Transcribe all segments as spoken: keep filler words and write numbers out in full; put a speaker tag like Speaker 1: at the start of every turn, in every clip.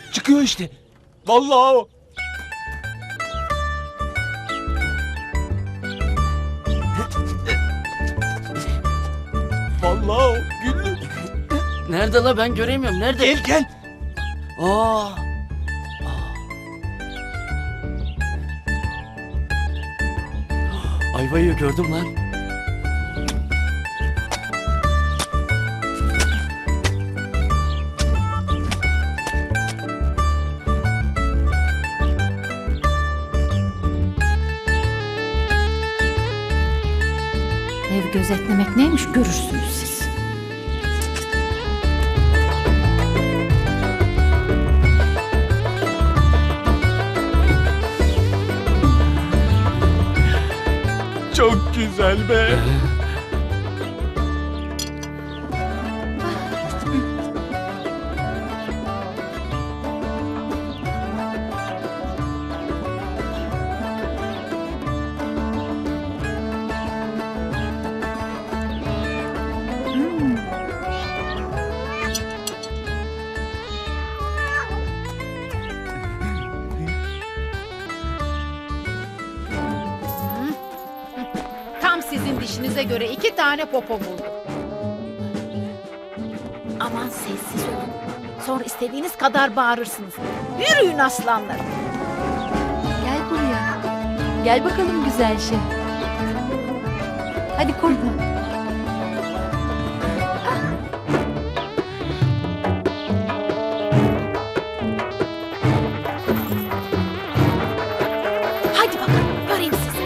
Speaker 1: Çıkıyor işte. Vallahi o. Vallahi o. Güllü.
Speaker 2: Nerede la, ben göremiyorum. Nerede?
Speaker 1: Gel gel.
Speaker 2: Aa. Ayvayı gördüm lan.
Speaker 3: Ev gözetlemek neymiş görürsünüz siz.
Speaker 1: Çok güzel be.
Speaker 4: Tam sizin dişinize göre iki tane popo buldum. Aman sessiz olun. Sonra istediğiniz kadar bağırırsınız. Yürüyün aslanlar.
Speaker 3: Gel buraya. Gel bakalım güzel şey. Hadi korkma.
Speaker 4: Hadi bakalım göreyim sizi.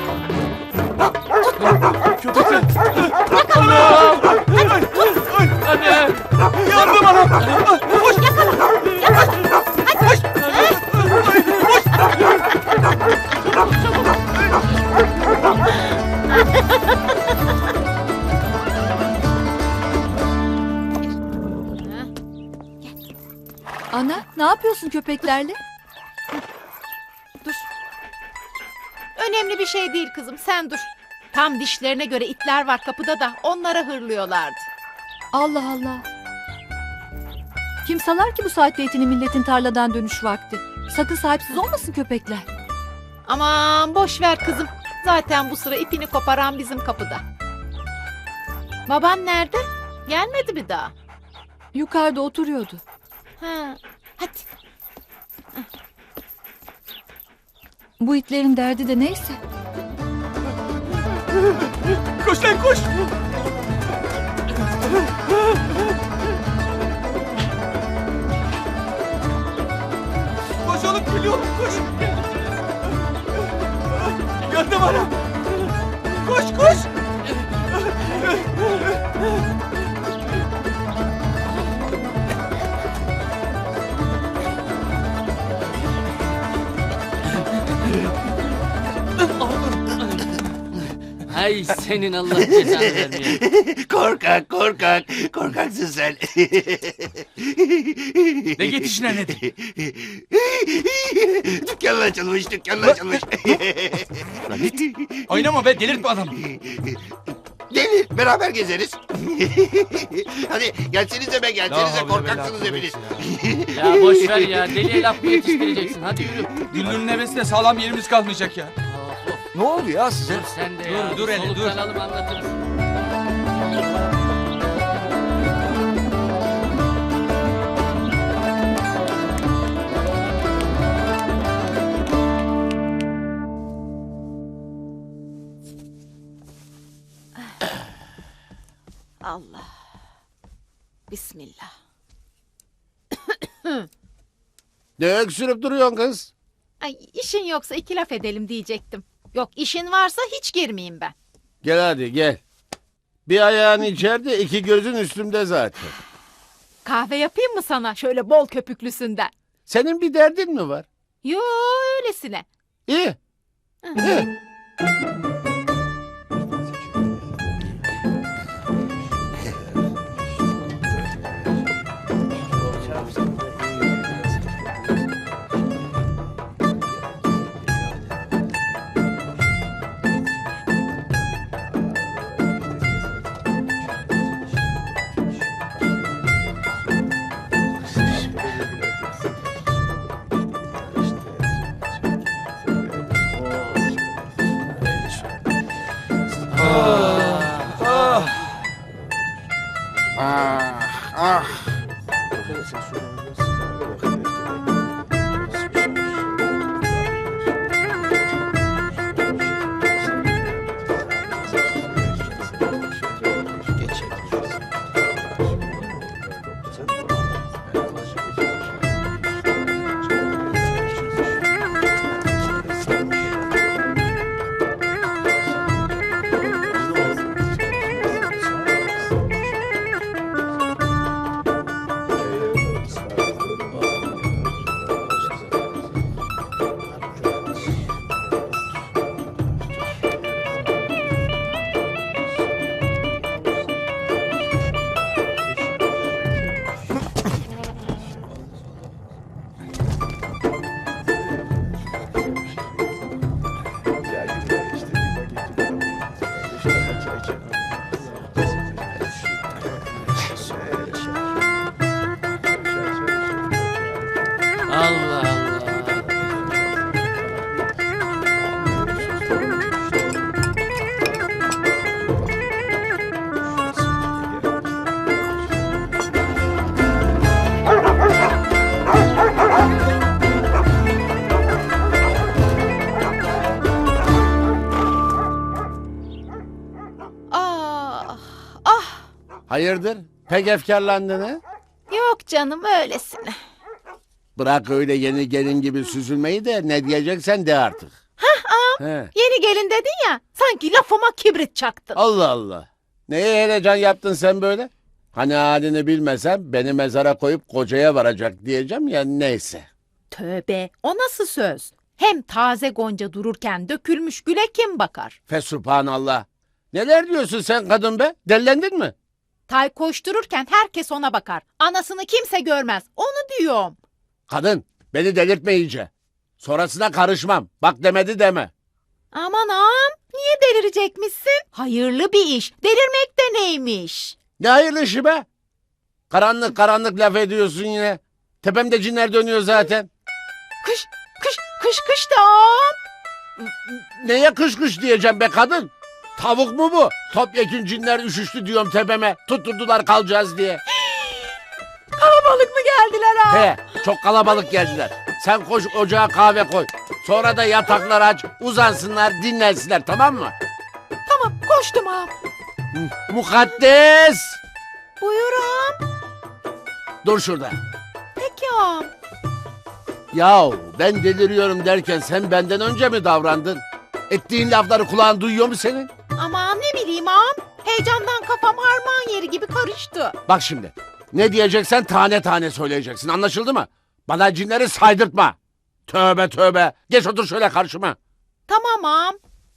Speaker 1: Köpekler. Anam.
Speaker 2: Anne.
Speaker 1: Yardım anam. Koş.
Speaker 3: Ana, ne yapıyorsun köpeklerle?
Speaker 4: Dur. Önemli bir şey değil kızım, sen dur. Tam dişlerine göre itler var kapıda da onlara hırlıyorlardı.
Speaker 3: Allah Allah. Kim salar ki bu saatte etini milletin tarladan dönüş vakti? Sakın sahipsiz olmasın köpekler.
Speaker 4: Aman boş ver kızım. Zaten bu sıra ipini koparan bizim kapıda. Baban nerede? Gelmedi mi daha?
Speaker 3: Yukarıda oturuyordu.
Speaker 4: Ha, hadi.
Speaker 3: Bu itlerin derdi de neyse.
Speaker 1: Koş lan koş. Koş oğlum, geliyorum koş. Yardım anam. Koş koş.
Speaker 2: Hay senin Allah cezanı vermiyor.
Speaker 5: Korkak, korkak. Korkaksın sen.
Speaker 1: Ne yetişine nedir?
Speaker 5: Dükkanla açılmış, dükkanla açılmış.
Speaker 1: Oynama be, delirtme adamı.
Speaker 5: Gelin, beraber gezeriz. Hadi gelsenize be, gelsenize.
Speaker 1: La
Speaker 5: Korkaksınız
Speaker 1: havle ve la
Speaker 5: hepiniz.
Speaker 2: Ya boş ver ya. Deliye laf mı yetiştireceksin? Hadi yürü.
Speaker 1: Güllü'nün nefesine sağlam yerimiz kalmayacak ya.
Speaker 2: Of, of.
Speaker 5: Ne oldu ya size?
Speaker 2: Dur sen de
Speaker 1: Dur,
Speaker 2: ya.
Speaker 1: dur hele, dur.
Speaker 2: Soluklanalım, anlatırız.
Speaker 4: Allah. Bismillah.
Speaker 5: Ne öksürüp duruyorsun kız?
Speaker 4: Ay, işin yoksa iki laf edelim diyecektim. Yok, işin varsa hiç girmeyeyim ben.
Speaker 5: Gel hadi gel. Bir ayağın içeride, iki gözün üstümde zaten.
Speaker 4: Kahve yapayım mı sana şöyle bol köpüklüsünden?
Speaker 5: Senin bir derdin mi var?
Speaker 4: Yo, öylesine.
Speaker 5: İyi. İyi. Hayırdır? Pek efkarlandın ha?
Speaker 4: Yok canım öylesine.
Speaker 5: Bırak öyle yeni gelin gibi süzülmeyi de ne diyeceksen de artık. He.
Speaker 4: Yeni gelin dedin ya, sanki lafıma kibrit çaktın.
Speaker 5: Allah Allah. Neye heyecan yaptın sen böyle? Hani halini bilmesem beni mezara koyup kocaya varacak diyeceğim ya, neyse.
Speaker 4: Tövbe, o nasıl söz? Hem taze gonca dururken dökülmüş güle kim bakar?
Speaker 5: Fesubhanallah. Neler diyorsun sen kadın be? Dellendin mi?
Speaker 4: Tay koştururken herkes ona bakar. Anasını kimse görmez. Onu diyorum.
Speaker 5: Kadın beni delirtme iyice. Sonrasına karışmam. Bak demedi deme.
Speaker 4: Aman ağam, niye delirecekmişsin? Hayırlı bir iş. Delirmek de neymiş?
Speaker 5: Ne hayırlı işi be? Karanlık karanlık laf ediyorsun yine. Tepemde cinler dönüyor zaten.
Speaker 4: Kış, kış, kış, kış da ağam.
Speaker 5: Neye kış kış diyeceğim be kadın? Tavuk mu bu? Topyekün cinler üşüştü diyorum tepeme. Tutturdular kalacağız diye.
Speaker 4: Kalabalık mı geldiler ağam?
Speaker 5: He, çok kalabalık geldiler. Sen koş ocağa kahve koy. Sonra da yataklar aç, uzansınlar, dinlensinler, tamam mı?
Speaker 4: Tamam, koştum ağam.
Speaker 5: Mukaddes!
Speaker 4: Buyur ağam.
Speaker 5: Dur şurada.
Speaker 4: Peki ağam.
Speaker 5: Yahu ben deliriyorum derken sen benden önce mi davrandın? Ettiğin lafları kulağın duyuyor mu senin?
Speaker 4: Aman ne bileyim ağam. Heyecandan kafam harman yeri gibi karıştı.
Speaker 5: Bak şimdi. Ne diyeceksen tane tane söyleyeceksin. Anlaşıldı mı? Bana cinleri saydırtma. Tövbe tövbe. Geç otur şöyle karşıma.
Speaker 4: Tamam ağam.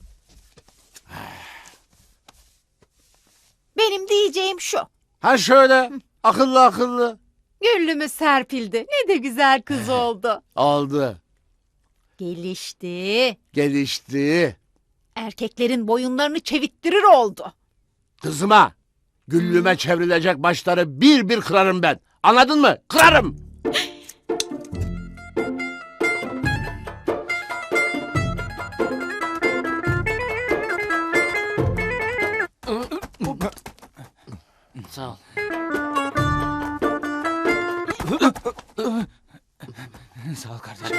Speaker 4: Benim diyeceğim şu.
Speaker 5: Ha şöyle. Akıllı akıllı.
Speaker 4: Güllümüz serpildi. Ne de güzel kız oldu.
Speaker 5: Aldı.
Speaker 4: Gelişti.
Speaker 5: Gelişti.
Speaker 4: Erkeklerin boyunlarını çevittirir oldu.
Speaker 5: Kızıma. Güllüme çevrilecek başları bir bir kırarım ben. Anladın mı? Kırarım.
Speaker 2: Sağ ol.
Speaker 1: Sağ ol kardeşim.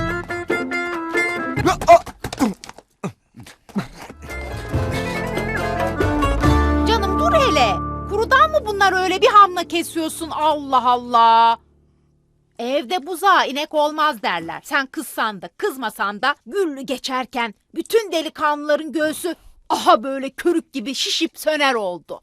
Speaker 4: Canım dur hele. Kurudan mı bunlar öyle bir hamla kesiyorsun? Allah Allah. Evde buzağa inek olmaz derler. Sen kızsan da kızmasan da Güllü geçerken bütün delikanlıların göğsü aha böyle körük gibi şişip söner oldu.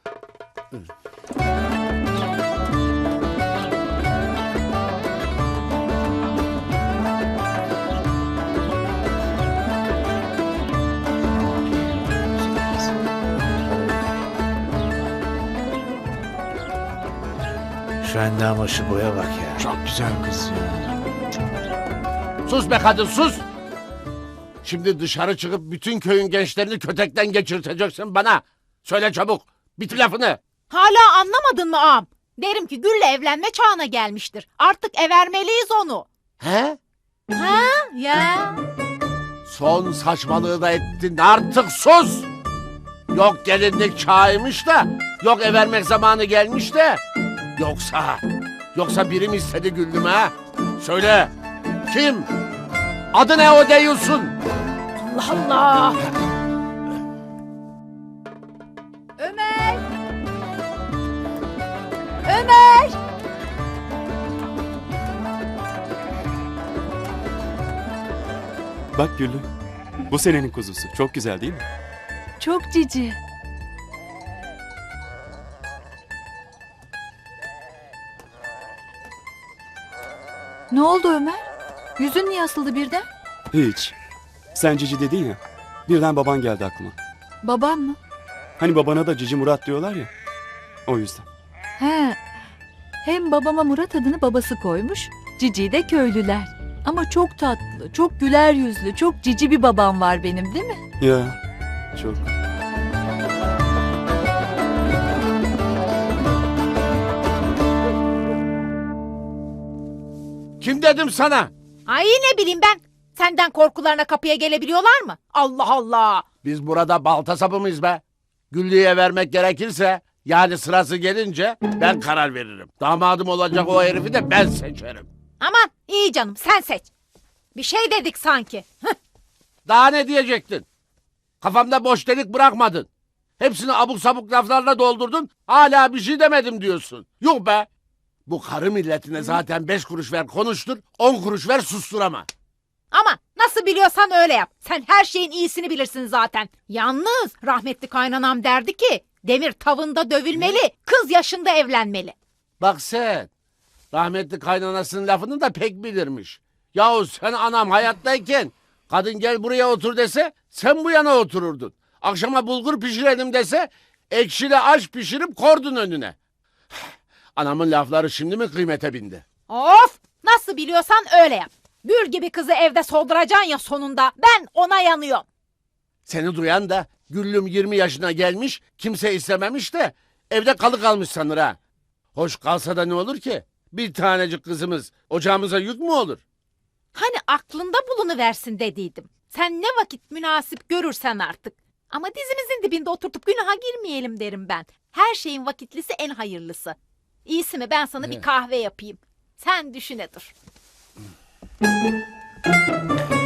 Speaker 6: Şu endama şu boya bak ya.
Speaker 1: Çok güzel kız ya.
Speaker 5: Sus be kadın sus. Şimdi dışarı çıkıp bütün köyün gençlerini kötekten geçirteceksin bana. Söyle çabuk. Bitir lafını.
Speaker 4: Hala anlamadın mı ağam? Derim ki Gül'le evlenme çağına gelmiştir. Artık evermeliyiz onu.
Speaker 5: He?
Speaker 4: Ha ya.
Speaker 5: Son saçmalığı da ettin. Artık sus. Yok gelinlik çağıymış da. Yok evermek zamanı gelmiş de. Yoksa. Yoksa biri mi istedi Güllü'me ha? Söyle. Kim? Adı ne o deyiyorsun?
Speaker 4: Allah Allah.
Speaker 3: Ömer! Ömer!
Speaker 7: Bak Güllü, bu senenin kuzusu. Çok güzel değil mi?
Speaker 3: Çok cici. Ne oldu Ömer? Yüzün niye asıldı birden?
Speaker 7: Hiç. Sen Cici dedin ya, birden baban geldi aklıma.
Speaker 3: Babam mı?
Speaker 7: Hani babana da Cici Murat diyorlar ya, o yüzden.
Speaker 3: He. Hem babama Murat adını babası koymuş, Cici de köylüler. Ama çok tatlı, çok güler yüzlü, çok cici bir babam var benim değil mi?
Speaker 7: Ya, çok.
Speaker 5: Kim dedim sana?
Speaker 4: Ay ne bileyim ben. Senden korkularına kapıya gelebiliyorlar mı? Allah Allah.
Speaker 5: Biz burada balta sapı mıyız be? Güllü'ye vermek gerekirse yani sırası gelince ben karar veririm. Damadım olacak o herifi de ben seçerim.
Speaker 4: Aman iyi canım sen seç. Bir şey dedik sanki. Hıh.
Speaker 5: Daha ne diyecektin? Kafamda boş delik bırakmadın. Hepsini abuk sabuk laflarla doldurdun. Hala bir şey demedim diyorsun. Yok be. Bu karı milletine zaten beş kuruş ver konuştur, on kuruş ver susturama.
Speaker 4: Ama nasıl biliyorsan öyle yap. Sen her şeyin iyisini bilirsin zaten. Yalnız rahmetli kaynanam derdi ki demir tavında dövülmeli, kız yaşında evlenmeli.
Speaker 5: Bak sen, rahmetli kaynanasının lafını da pek bilirmiş. Yahu sen anam hayattayken kadın gel buraya otur dese sen bu yana otururdun. Akşama bulgur pişirelim dese ekşili aş pişirip kordun önüne. Anamın lafları şimdi mi kıymete bindi?
Speaker 4: Of! Nasıl biliyorsan öyle yap. Gül gibi kızı evde solduracaksın ya sonunda. Ben ona yanıyorum.
Speaker 5: Seni duyan da Güllüm yirmi yaşına gelmiş, kimse istememiş de evde kalı kalmış sanır ha. Hoş kalsa da ne olur ki? Bir tanecik kızımız ocağımıza yük mü olur?
Speaker 4: Hani aklında bulunuversin dediydim. Sen ne vakit münasip görürsen artık. Ama dizimizin dibinde oturtup günaha girmeyelim derim ben. Her şeyin vakitlisi en hayırlısı. İyisi mi ben sana bir kahve yapayım. Sen düşüne dur.